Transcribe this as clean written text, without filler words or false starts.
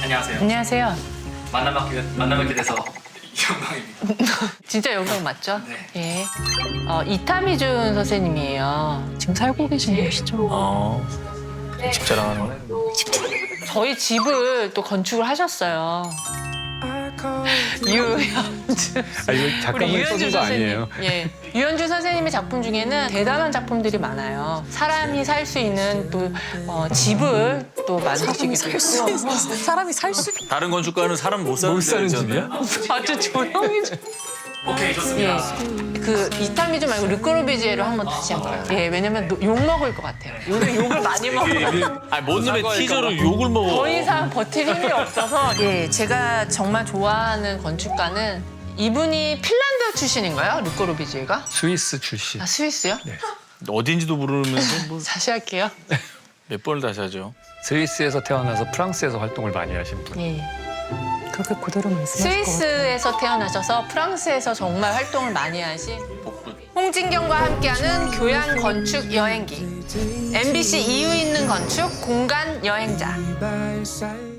안녕하세요. 안녕하세요. 만나뵙게 돼서 영광입니다. 진짜 영광 맞죠? 네. 예. 이타미준 선생님이에요. 지금 살고 계신 곳이죠? 집 자랑하는 거네. 저희 집을 또 건축을 하셨어요. 유현주. 아, 이거 작가분이 써준 거 아니에요? 예. 유현주 선생님의 작품 중에는 대단한 작품들이 많아요. 사람이 살 수 있는 또 집을 또 만드시기도 했고. 사람이 살 수 있는. 다른 건축가는 사람 못 사는 못 사는 집이야? 아주 조용히 좀. 오케이, 좋습니다. 예. 그 이타미준 말고 르꼬르비지에로 한번 다시 해볼까요? 예, 왜냐면 욕 먹을 것 같아요. 요즘 욕을 많이 먹어요. 아니 뭔 놈의 티저로 욕을 먹어. 더 이상 버틸 힘이 없어서. 예, 제가 정말 좋아하는 건축가는 이분이 핀란드 출신인가요? 르꼬르비지에가? 스위스 출신. 아, 스위스요? 어딘지도 모르면서 뭐 다시 할게요. 몇 번을 다시 하죠. 스위스에서 태어나서 프랑스에서 활동을 많이 하신 분. 예. 그렇게 그대로 말씀하실 것 같아요. 스위스에서 태어나셔서 프랑스에서 정말 활동을 많이 하신 홍진경과 함께하는 교양 건축 여행기. MBC 이유 있는 건축 공간 여행자.